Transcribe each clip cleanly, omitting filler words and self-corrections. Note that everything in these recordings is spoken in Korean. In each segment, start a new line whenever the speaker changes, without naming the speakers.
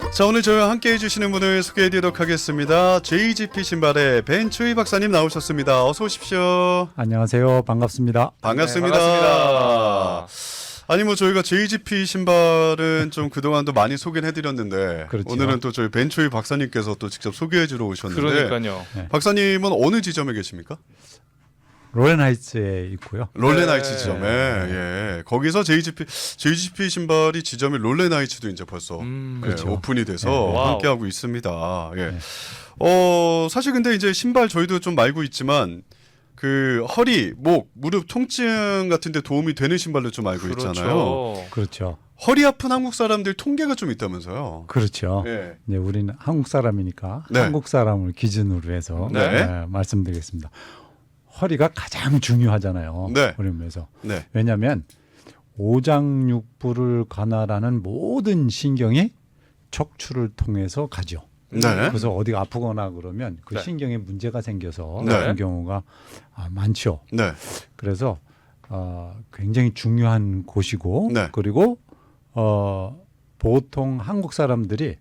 자, 오늘 저희와 함께 해주시는 분을 소개해드리도록 하겠습니다. JGP 신발의 벤추이 박사님 나오셨습니다. 어서 오십시오.
안녕하세요. 반갑습니다.
반갑습니다.
네, 반갑습니다.
아니 뭐 저희가 JGP 신발은 좀 그동안도 많이 소개를 해드렸는데
그렇죠.
오늘은 또 저희 벤추이 박사님께서 또 직접 소개해주러 오셨는데
그러니까요.
박사님은 어느 지점에 계십니까?
롤앤하이츠에 있고요.
롤레나이츠
네.
지점에 예. 거기서 JGP 신발이 지점이 롤레나이츠도 이제 벌써
그렇죠.
오픈이 돼서
네.
함께하고 있습니다. 예.
네.
사실 근데 이제 신발 저희도 좀 알고 있지만 그 허리, 목, 무릎 통증 같은 데 도움이 되는 신발로 좀 알고 있잖아요.
그렇죠.
허리 아픈 한국 사람들 통계가 좀 있다면서요.
그렇죠.
예.
네, 우리는 한국 사람이니까
네.
한국 사람을 기준으로 해서
네.
말씀드리겠습니다. 허리가 가장 중요하잖아요.
네.
우리 몸에서.
네.
왜냐하면 오장육부를 관할하는 모든 신경이 척추를 통해서 가죠.
네.
그래서 어디가 아프거나 그러면 그
네.
신경에 문제가 생겨서
네.
아픈 경우가 많죠.
네.
그래서 굉장히 중요한 곳이고
네.
그리고 보통 한국 사람들이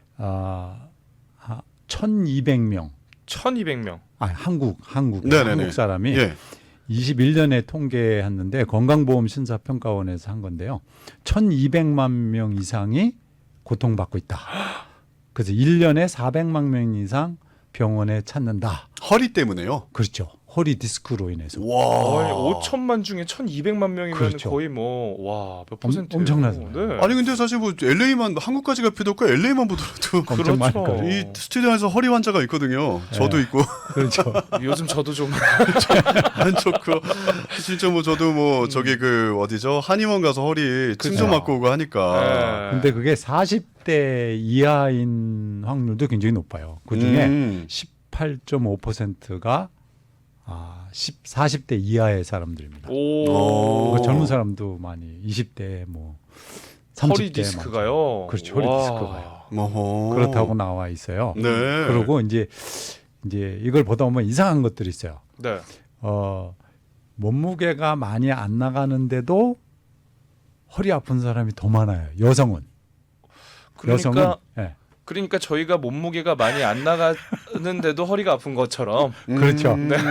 1,200명
1200명.
한국
네네네.
한국 사람이
예.
21년에 통계했는데 건강보험 심사평가원에서 한 건데요. 1,200만 명 이상이 고통받고 있다. 그래서 1년에 400만 명 이상 병원에 찾는다.
허리 때문에요.
그렇죠. 허리 디스크로 인해서.
와.
5천만 중에 1200만 명이면
그렇죠.
거의 몇 퍼센트예요?
엄청나잖아요.
네.
아니 근데 사실 뭐 LA만 한국까지 갈 필요 없고 LA만 보더라도
엄청 많을
그렇죠.
거예요.
이 스튜디오에서 허리 환자가 있거든요. 저도 있고
그렇죠.
요즘 저도 좀
안 좋고 진짜 뭐 저도 뭐 저기 그 어디죠 한의원 가서 허리 층좀 맞고 오고 하니까.
근데 그게 40대 이하인 확률도 굉장히 높아요. 그 중에 18.5%가 40대 이하의 사람들입니다.
오.
그 젊은 사람도 많이 20대 뭐 30대
허리 디스크가요.
그렇죠. 허리
와.
디스크가요.
어허.
그렇다고 나와 있어요.
네.
그리고 이제 이걸 보다 보면 이상한 것들이 있어요.
네.
몸무게가 많이 안 나가는데도 허리 아픈 사람이 더 많아요. 여성은. 예.
그러니까 저희가 몸무게가 많이 안 나가는데도 허리가 아픈 것처럼.
그렇죠.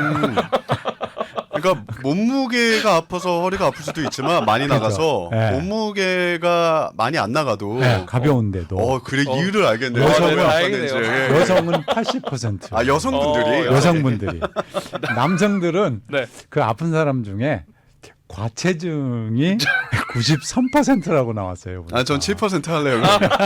그러니까 몸무게가 아파서 허리가 아플 수도 있지만 많이 나가서
네.
몸무게가 많이 안 나가도
가벼운데도
그래 이유를 알겠네요.
여성은
왜
다행이네요.
아팠는지.
여성은 80%.
여성분들이
여성분들이. 남성들은
네.
그 아픈 사람 중에 과체중이 93%라고 나왔어요. 보니까.
전 7% 할래요.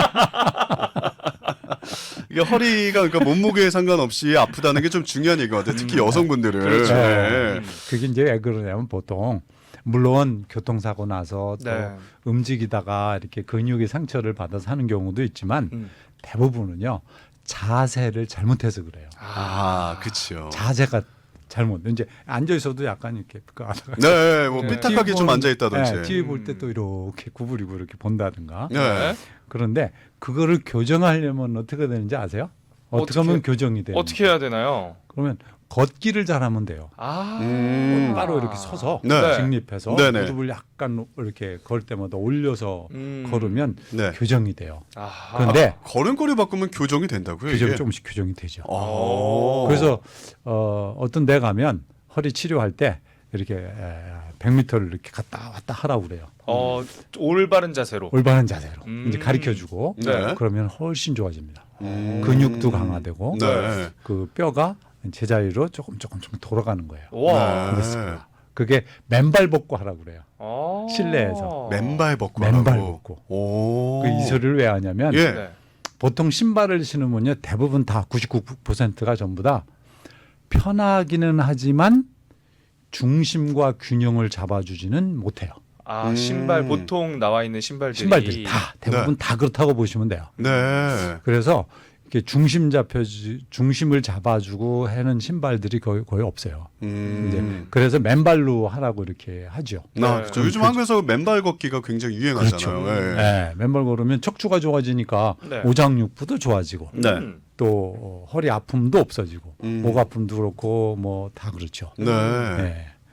이게 허리가 그러니까 몸무게에 상관없이 아프다는 게 좀 중요한 얘기 같아요. 특히 여성분들은.
그렇죠.
네.
그게 이제 왜 그러냐면 보통 물론 교통사고 나서 또
네.
움직이다가 이렇게 근육이 상처를 받아서 하는 경우도 있지만 대부분은요 자세를 잘못해서 그래요.
그렇죠.
자세가 잘못. 이제 앉아 있어도 약간 이렇게
네, 뭐
네.
삐딱하게 좀 앉아 있다든지.
TV 볼 때 또 이렇게 구부리고 이렇게 본다든가.
네.
그런데 그거를 교정하려면 어떻게 되는지 아세요? 어떻게 하면 교정이 돼요?
어떻게 해야 되나요?
그러면 걷기를 잘하면 돼요. 바로 이렇게 서서
네.
직립해서
네네.
무릎을 약간 이렇게 걸 때마다 올려서 걸으면
네.
교정이 돼요.
아하.
그런데
걸음걸이 바꾸면 교정이 된다고요?
교정이
이게?
조금씩 교정이 되죠.
아.
그래서 어떤 데 가면 허리 치료할 때 이렇게 100m를 이렇게 갔다 왔다 하라고 그래요.
올바른 자세로.
올바른 자세로 이제
음.
가르쳐주고
네.
그러면 훨씬 좋아집니다. 근육도 강화되고
네.
그 뼈가 제자리로 조금 돌아가는 거예요.
와.
네.
그게 맨발 벗고 하라고 그래요. 실내에서.
맨발 벗고
맨발
하라고.
벗고.
오.
이 소리를 왜 하냐면
예.
네.
보통 신발을 신으면요 대부분 다 99%가 전부 다 편하기는 하지만 중심과 균형을 잡아주지는 못해요.
신발 보통 나와 있는 신발들이
다 대부분 다 그렇다고 보시면 돼요.
네.
그래서 이렇게 중심을 잡아주고 하는 신발들이 거의 없어요. 이제 그래서 맨발로 하라고 이렇게 하죠.
그렇죠. 요즘 한국에서 맨발 걷기가 굉장히 유행하잖아요.
그렇죠.
네.
네, 맨발 걸으면 척추가 좋아지니까
네.
오장육부도 좋아지고
네.
또 허리 아픔도 없어지고 목 아픔도 그렇고 뭐 다 그렇죠.
네.
네.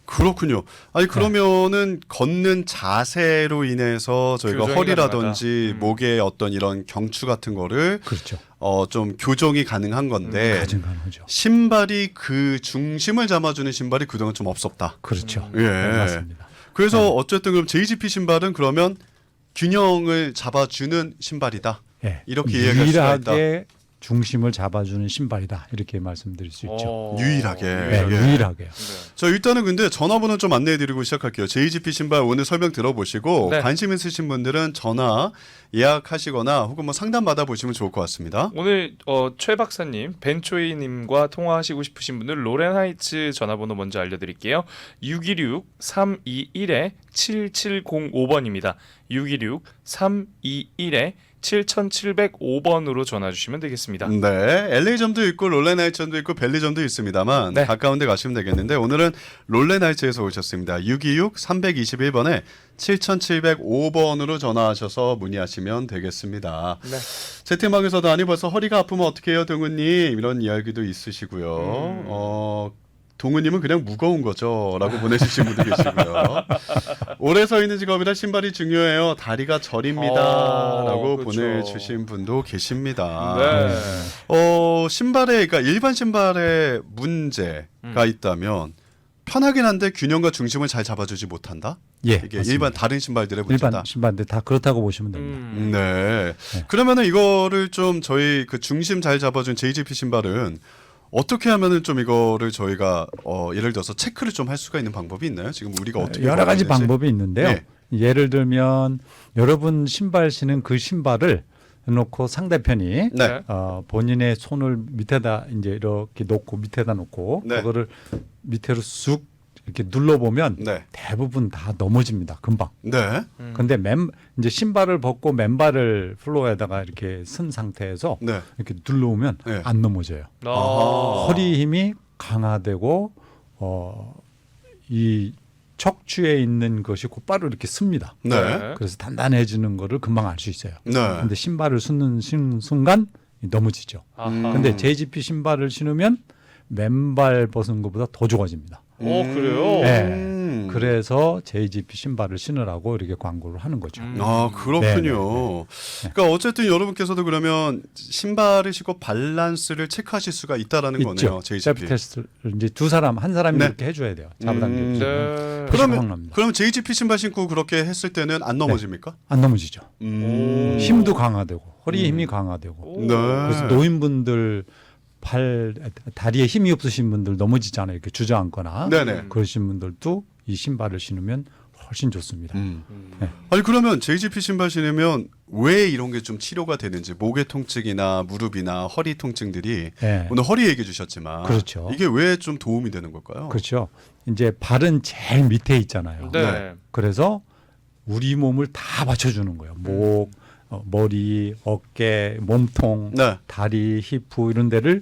그렇군요. 아니 그러면은 걷는 자세로 인해서 저희가
교정이
허리라든지
가능하다.
목의 어떤 이런 경추 같은 거를
그렇죠.
좀 교정이 가능한 건데
가능하죠.
신발이 그 중심을 잡아주는 신발이 그동안 좀 없었다.
그렇죠.
예.
네, 맞습니다.
그래서 어쨌든 그럼 JGP 신발은 그러면 균형을 잡아주는 신발이다.
예.
이렇게 이해할 수가 있다.
유일하게 중심을 잡아주는 신발이다. 이렇게 말씀드릴 수 있죠.
유일하게.
네,
예.
유일하게요.
네.
자 일단은 근데 전화번호 좀 안내해드리고 시작할게요. JGP 신발 오늘 설명 들어보시고
네.
관심 있으신 분들은 전화 예약하시거나 혹은 뭐 상담 받아보시면 좋을 것 같습니다.
오늘 최 박사님, 벤초이님과 통화하시고 싶으신 분들 로렌하이츠 전화번호 먼저 알려드릴게요. 626-321-7705번입니다. 626-321-7705번으로 전화 주시면 되겠습니다.
네, LA점도 있고 롤레나이츠점도 있고 벨리점도 있습니다만
네.
가까운 데 가시면 되겠는데 오늘은 롤레나이츠에서 오셨습니다. 626-321번에 7705번으로 전화하셔서 문의하시면 되겠습니다.
네.
채팅방에서도 아니 벌써 허리가 아프면 어떻게 해요 동우님 이런 이야기도 있으시고요. 동우님은 그냥 무거운 거죠 라고 보내주신 분도 계시고요. 오래 서 있는 직업이라 신발이 중요해요. 다리가 저립니다 라고
그렇죠.
보내주신 분도 계십니다.
네.
신발에 그러니까 일반 신발에 문제가 있다면 편하긴 한데 균형과 중심을 잘 잡아주지 못한다.
예,
이게
맞습니다.
일반 다른 신발들의 문제다.
일반 신발들 다 그렇다고 보시면 됩니다.
네. 그러면은 이거를 좀 저희 그 중심 잘 잡아준 JGP 신발은 어떻게 하면은 좀 이거를 저희가 예를 들어서 체크를 좀 할 수가 있는 방법이 있나요? 지금 우리가 어떻게
여러 가지
걸어야 되는지?
방법이 있는데요.
네.
예를 들면 여러분 신발 신은 그 신발을 놓고 상대편이
네.
본인의 손을 밑에다 이제 이렇게 놓고 밑에다 놓고
네.
그거를 밑으로 쑥 이렇게 눌러보면
네.
대부분 다 넘어집니다. 금방.
네.
근데 이제 신발을 벗고 맨발을 플로어에다가 이렇게 쓴 상태에서
네.
이렇게 눌러오면
네.
안 넘어져요.
아하.
허리 힘이 강화되고 이 척추에 있는 것이 곧바로 이렇게 씁니다.
네.
그래서 단단해지는 거를 금방 알 수 있어요.
네.
근데 신발을 신는 순간 넘어지죠.
아하.
근데 JGP 신발을 신으면 맨발 벗은 것보다 더 좋아집니다.
그래요?
네. 그래서 JGP 신발을 신으라고 이렇게 광고를 하는 거죠.
아 그렇군요.
네.
그러니까 어쨌든 여러분께서도 그러면 신발을 신고 밸런스를 체크하실 수가 있다라는 거네요.
있죠.
JGP.
셀프 테스트를 이제 한 사람이
네.
이렇게 해줘야 돼요. 잡아당기고
네.
그러면 JGP 신발 신고 그렇게 했을 때는 안 넘어집니까?
안 넘어지죠.
음.
힘도 강화되고 허리 힘이 강화되고
네.
그래서 노인분들 다리에 힘이 없으신 분들 넘어지잖아요. 이렇게 주저앉거나
네네.
그러신 분들도 이 신발을 신으면 훨씬 좋습니다. 네.
아니 그러면 JGP 신발 신으면 왜 이런 게 좀 치료가 되는지 목의 통증이나 무릎이나 허리 통증들이
네.
오늘 허리 얘기해 주셨지만
그렇죠.
이게 왜 좀 도움이 되는 걸까요?
그렇죠. 이제 발은 제일 밑에 있잖아요.
네.
그래서 우리 몸을 다 받쳐주는 거예요. 목, 머리, 어깨, 몸통,
네.
다리, 히프 이런 데를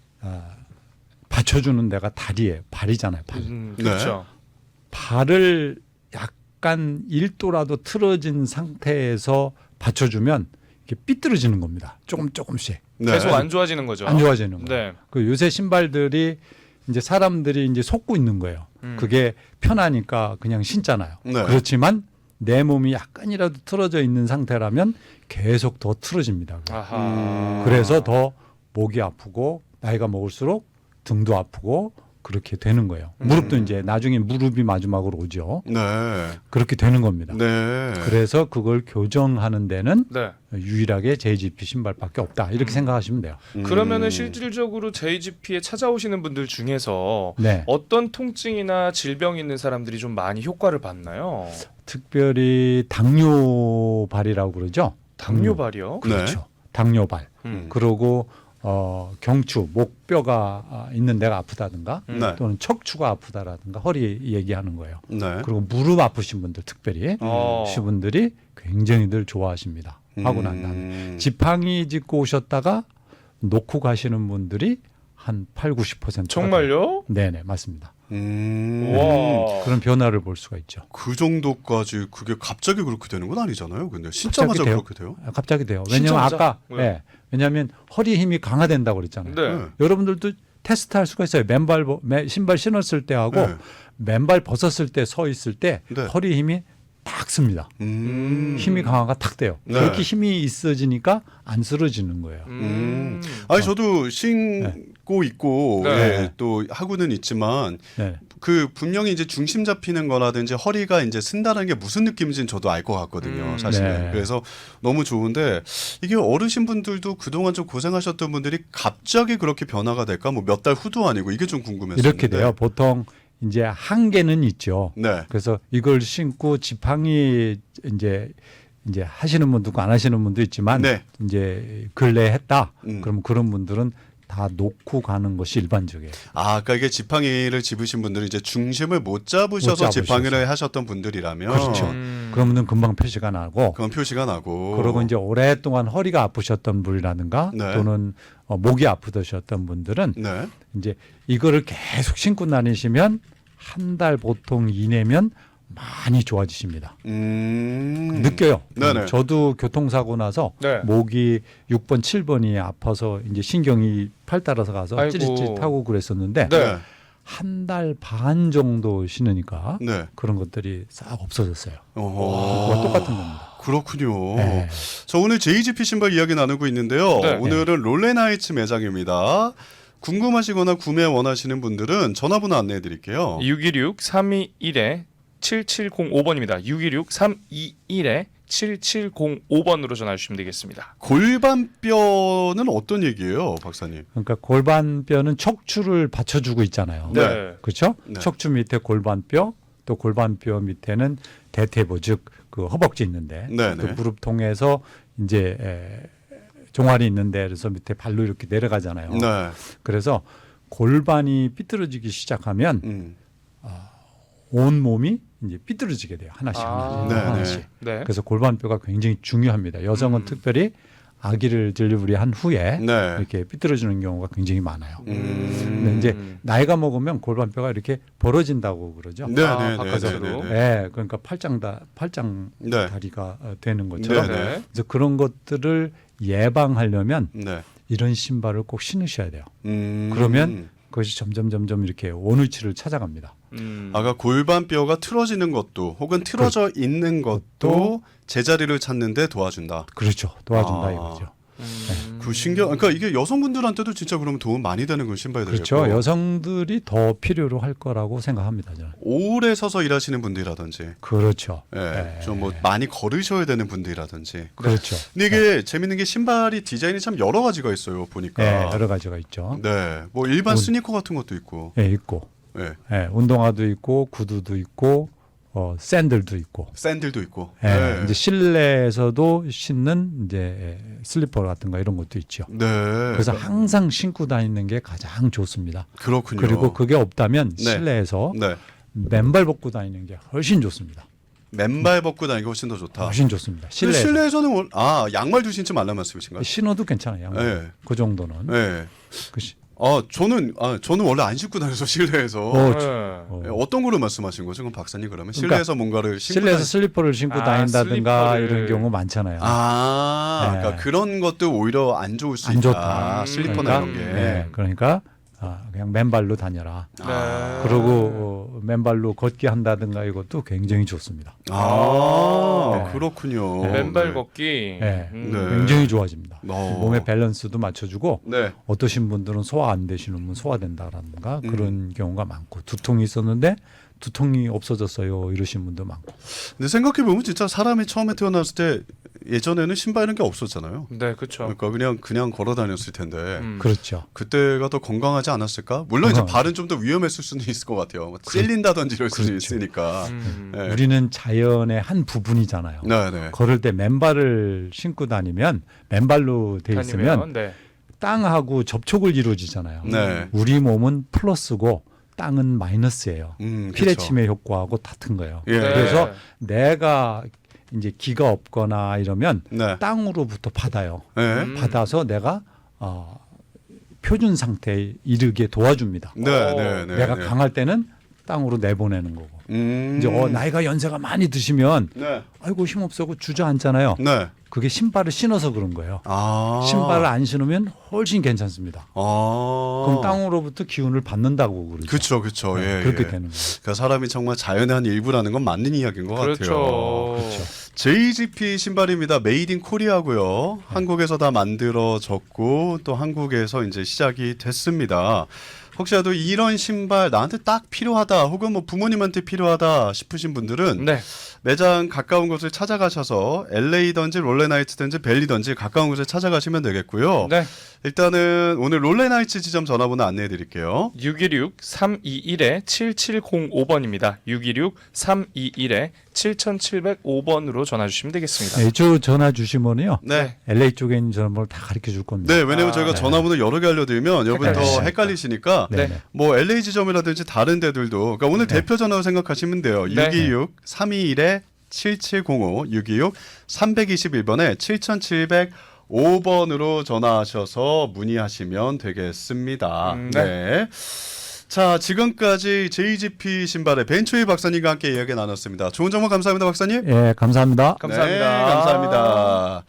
받쳐주는 데가 다리예요. 발이잖아요. 발.
그렇죠.
발을 약간 1도라도 틀어진 상태에서 받쳐주면 이게 삐뚤어지는 겁니다. 조금씩
네.
계속 안 좋아지는 거죠.
안 좋아지는 거예요.
네.
그 요새 신발들이 이제 사람들이 이제 속고 있는 거예요. 그게 편하니까 그냥 신잖아요.
네.
그렇지만 내 몸이 약간이라도 틀어져 있는 상태라면 계속 더 틀어집니다.
아하.
그래서 더 목이 아프고 나이가 먹을수록 등도 아프고 그렇게 되는 거예요. 무릎도 이제 나중에 무릎이 마지막으로 오죠.
네.
그렇게 되는 겁니다.
네.
그래서 그걸 교정하는 데는
네.
유일하게 JGP 신발밖에 없다. 이렇게 생각하시면 돼요.
그러면은 실질적으로 JGP에 찾아오시는 분들 중에서
네.
어떤 통증이나 질병이 있는 사람들이 좀 많이 효과를 봤나요?
특별히 당뇨발이라고 그러죠.
당뇨발이요?
그렇죠. 당뇨발. 그리고 경추, 목뼈가 있는 데가 아프다든가
네.
또는 척추가 아프다라든가 허리 얘기하는 거예요.
네.
그리고 무릎 아프신 분들 특별히 시분들이 굉장히들 좋아하십니다. 하고 난 다음에 지팡이 짚고 오셨다가 놓고 가시는 분들이 한 8-90%.
정말요?
네네 맞습니다.
와.
그런 변화를 볼 수가 있죠.
그 정도까지 그게 갑자기 그렇게 되는 건 아니잖아요. 근데 신자마자 그렇게 돼요?
갑자기 돼요. 왜냐하면
신자마자?
아까 왜냐하면 허리 힘이 강화된다고 그랬잖아요.
네.
여러분들도 테스트할 수가 있어요. 신발 신었을 때하고
네.
맨발 벗었을 때 서 있을 때
네.
허리 힘이 딱 씁니다. 힘이 강화가 탁 돼요.
네.
그렇게 힘이 있어지니까 안 쓰러지는 거예요.
아니 저도 신고 있고
네.
예, 또 하고는 있지만
네.
그 분명히 이제 중심 잡히는 거라든지 허리가 이제 쓴다는 게 무슨 느낌인지는 저도 알 것 같거든요. 사실은.
네.
그래서 너무 좋은데 이게 어르신분들도 그동안 좀 고생하셨던 분들이 갑자기 그렇게 변화가 될까? 뭐 몇 달 후도 아니고 이게 좀 궁금했어요.
이렇게 돼요. 보통 이제 한계는 있죠.
네.
그래서 이걸 신고 지팡이 이제 하시는 분도 있고 안 하시는 분도 있지만
네.
이제 근래 했다.
음.
그럼 그런 분들은 다 놓고 가는 것이 일반적이에요.
아, 그러니까 이게 지팡이를 집으신 분들은 이제 중심을 못 잡으셔서
못
지팡이를 하셨던 분들이라면
그렇죠. 그런 분은 금방 표시가 나고
그건 표시가 나고
그리고 이제 오랫동안 허리가 아프셨던 분이라든가
네.
또는 목이 아프셨던 분들은
네.
이제 이거를 계속 신고 다니시면 한 달 보통 이내면 많이 좋아지십니다. 느껴요.
네네.
저도 교통사고 나서
네.
목이 6번, 7번이 아파서 이제 신경이 팔 따라서 가서
아이고.
찌릿찌릿하고 그랬었는데
네.
한 달 반 정도 신으니까
네.
그런 것들이 싹 없어졌어요.
어허.
그거 똑같은 겁니다.
그렇군요.
네.
저 오늘 JGP 신발 이야기 나누고 있는데요.
네.
오늘은 롤렌하이츠 매장입니다. 궁금하시거나 구매 원하시는 분들은 전화번호 안내해 드릴게요.
616-321-7705번입니다. 616-321-7705번으로 전화 주시면 되겠습니다.
골반뼈는 어떤 얘기예요, 박사님?
그러니까 골반뼈는 척추를 받쳐주고 있잖아요.
네.
그렇죠?
네.
척추 밑에 골반뼈, 또 골반뼈 밑에는 대퇴부 즉 그 허벅지 있는데
네,
또
네.
무릎 통해서 이제 종아리 있는데 그래서 밑에 발로 이렇게 내려가잖아요.
네.
그래서 골반이 삐뚤어지기 시작하면 온 몸이 이제 삐뚤어지게 돼요. 하나씩
네,
하나씩.
네.
그래서 골반뼈가 굉장히 중요합니다. 여성은 특별히 아기를 딜리버리한 후에
네.
이렇게 삐뚤어지는 경우가 굉장히 많아요. 근데
음.
이제 나이가 먹으면 골반뼈가 이렇게 벌어진다고 그러죠.
네,
아,
네, 네,
바깥으로.
네, 네, 네.
네, 그러니까 팔짱
네.
다리가 되는 것처럼.
네,
네.
그래서 그런 것들을 예방하려면
네.
이런 신발을 꼭 신으셔야 돼요.
음.
그러면 그것이 점점 이렇게 원위치를 찾아갑니다.
아까 골반뼈가 틀어지는 것도 혹은 틀어져 있는 것도 제자리를 찾는데 도와준다.
그렇죠. 도와준다
아.
이거죠.
그 신경. 그러니까 이게 여성분들한테도 진짜 그러면 도움 많이 되는 그 신발들이고.
그렇죠. 여성들이 더 필요로 할 거라고 생각합니다. 저는.
오래 서서 일하시는 분들이라든지,
그렇죠.
예,
네.
좀 뭐 많이 걸으셔야 되는 분들이라든지.
그렇죠.
근데 이게 재밌는 게 신발이 디자인이 참 여러 가지가 있어요. 보니까.
네, 여러 가지가 있죠.
네, 뭐 일반 스니커 같은 것도 있고.
예, 있고,
예,
운동화도 있고, 구두도 있고, 샌들도 있고.
샌들도 있고.
예,
네.
이제 실내에서도 신는 이제 슬리퍼 같은 거 이런 것도 있죠.
네.
그래서 항상 신고 다니는 게 가장 좋습니다.
그렇군요.
그리고 그게 없다면
네.
실내에서
네.
맨발 벗고 다니는 게 훨씬 좋습니다.
맨발 벗고 다니기 훨씬 더 좋다.
훨씬 좋습니다.
근데
실내에서.
실내에서는 양말도 신지 말란 말씀이신가요?
신어도 괜찮아요. 양말.
네.
그 정도는.
네.
그 시-
저는 원래 안 신고 다녀서 실내에서.
어,
네.
어떤 거로 말씀하신 거죠? 그럼 박사님 그러면
그러니까
실내에서 뭔가를 신고
실내에서 슬리퍼를 신고
아,
다닌다든가
슬리퍼를.
이런 경우 많잖아요.
아,
네.
그러니까 그런 것도 오히려 안 좋을 수
안
있다.
좋다.
슬리퍼나
그러니까,
이런 게.
네, 그러니까 그냥 맨발로 다녀라.
네.
그리고 맨발로 걷기 한다든가 이것도 굉장히 좋습니다.
아,
네.
그렇군요.
맨발
네.
걷기.
네.
네.
굉장히 좋아집니다.
어.
몸의 밸런스도 맞춰주고
네.
어떠신 분들은 소화 안 되시는 분 소화된다라든가 그런 경우가 많고 두통이 있었는데 두통이 없어졌어요 이러신 분도 많고.
근데 생각해 보면 진짜 사람이 처음에 태어났을 때 예전에는 신발 이런 게 없었잖아요.
네, 그렇죠.
그러니까 그냥 걸어 다녔을 텐데
그렇죠.
그때가 더 건강하지 않았을까? 물론 이제
건강하죠.
발은 좀 더 위험했을 수는 있을 것 같아요. 뭐 찔린다든지 이럴 수도
그렇죠.
있으니까. 네.
우리는 자연의 한 부분이잖아요.
네.
걸을 때 맨발을 신고 다니면 맨발로 돼 있으면
다니면, 네.
땅하고 접촉을 이루어지잖아요.
네.
우리 몸은 플러스고 땅은 마이너스예요.
그렇죠.
피레침의 효과하고 같은 거예요.
예.
그래서 내가 이제 기가 없거나 이러면
네.
땅으로부터 받아요.
네.
받아서 내가 표준 상태에 이르게 도와줍니다.
네.
내가 강할 때는 땅으로 내보내는 거고. 이제 나이가 연세가 많이 드시면
네.
아이고 힘없어고 주저앉잖아요.
네.
그게 신발을 신어서 그런 거예요.
아.
신발을 안 신으면 훨씬 괜찮습니다.
아.
그럼 땅으로부터 기운을 받는다고 그러죠.
그렇죠, 그렇죠.
네,
예,
그렇게
예.
되는 거예요.
그러니까 사람이 정말 자연의 한 일부라는 건 맞는 이야기인 것 같아요.
그렇죠.
JGP 신발입니다. 메이드 인 코리아고요. 한국에서 다 만들어졌고 또 한국에서 이제 시작이 됐습니다. 혹시라도 이런 신발 나한테 딱 필요하다 혹은 뭐 부모님한테 필요하다 싶으신 분들은
네.
매장 가까운 곳을 찾아가셔서 LA든지 롤레나이츠든지 벨리든지 가까운 곳에 찾아가시면 되겠고요.
네.
일단은 오늘 롤레나이츠 지점 전화번호 안내해 드릴게요.
616-321-7705번입니다. 616-321-7705번으로 전화 주시면 되겠습니다.
네, 이쪽 전화 주시면요.
네.
LA 쪽에 있는 전화번호를 다 가르쳐 줄 겁니다.
네, 왜냐면
아,
저희가
네.
전화번호 여러 개 알려드리면 여러분 더
헷갈리시니까.
헷갈리시니까
네.
네.
뭐 LA 지점이라든지 다른 데들도 그러니까 오늘
네.
대표 전화로 생각하시면 돼요.
네.
626-321-7705 626-321번에 7705번으로 전화하셔서 문의하시면 되겠습니다.
네.
네. 자, 지금까지 JGP 신발의 벤초이 박사님과 함께 이야기 나눴습니다. 좋은 정보 감사합니다, 박사님.
예, 감사합니다.
감사합니다.
네, 감사합니다.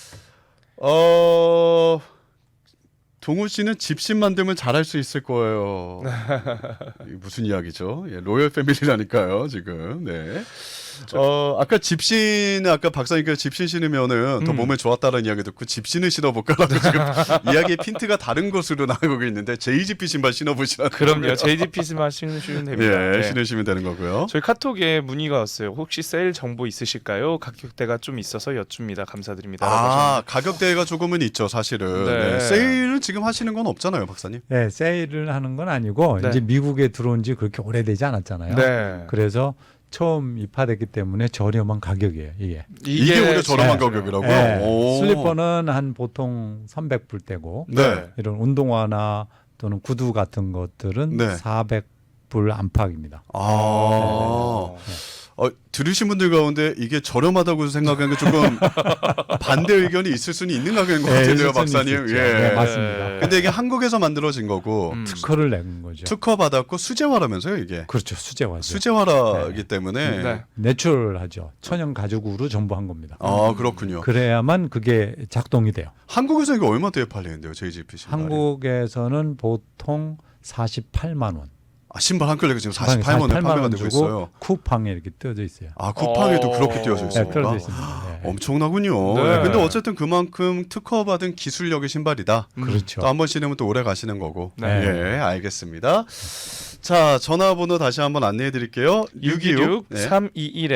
동우 씨는 집신 만들면 잘할 수 있을 거예요. 이게 무슨 이야기죠? 예, 로열 패밀리라니까요, 지금. 네. 아까 집신, 아까 박사님께서 집신 신으면은 더 몸에 좋았다는 이야기 듣고 집신을 신어볼까라고 지금 이야기의 핀트가 다른 곳으로 나가고 있는데 JGP 신발 신어보시라는
그럼요. JGP만 신으시면 됩니다.
예,
네.
신으시면 되는 거고요.
저희 카톡에 문의가 왔어요. 혹시 세일 정보 있으실까요? 가격대가 좀 있어서 여쭙니다. 감사드립니다.
아, 가격대가 조금은 있죠, 사실은.
네.
네. 세일은 지금 하시는 건 없잖아요, 박사님.
네, 세일을 하는 건 아니고
네.
이제 미국에 들어온 지 그렇게 오래되지 않았잖아요.
네.
그래서 처음 입하됐기 때문에 저렴한 가격이에요, 이게.
이게 오히려 저렴한
진짜요.
가격이라고요?
네,
오.
슬리퍼는 한 보통 300불대고
네.
이런 운동화나 또는 구두 같은 것들은
네.
400불 안팎입니다.
아. 들으신 분들 가운데 이게 저렴하다고 생각하는 게 조금 반대 의견이 있을 수는 있는 가격인 것 같은데요,
있을 수는
박사님.
있겠죠.
예.
네, 맞습니다.
근데 이게 한국에서 만들어진 거고
특허를 낸 거죠.
특허 받았고 수제화라면서요, 이게.
그렇죠, 수제화죠.
수제화라기 때문에.
네.
내추럴하죠. 천연 가죽으로 전부 한 겁니다.
아, 그렇군요.
그래야만 그게 작동이 돼요.
한국에서 이게 얼마대에 팔리는데요, JGP 신발이?
한국에서는 보통 48만 원.
아, 신발 한 켤레가 지금 48만 원에 판매가 되고 있어요.
쿠팡에 이렇게 뜨어져 있어요.
아, 쿠팡에도 그렇게 띄워져
네,
있습니까?
뜨어져 있습니다. 네.
엄청나군요.
네.
네, 근데 어쨌든 그만큼 특허받은 기술력의 신발이다.
그렇죠.
또 한 번 신으면 또 오래 가시는 거고.
네.
예, 알겠습니다. 자, 전화번호 다시 한번 안내해 드릴게요.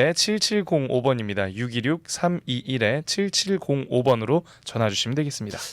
626-321-7705번입니다. 626-321-7705번으로 전화 주시면 되겠습니다.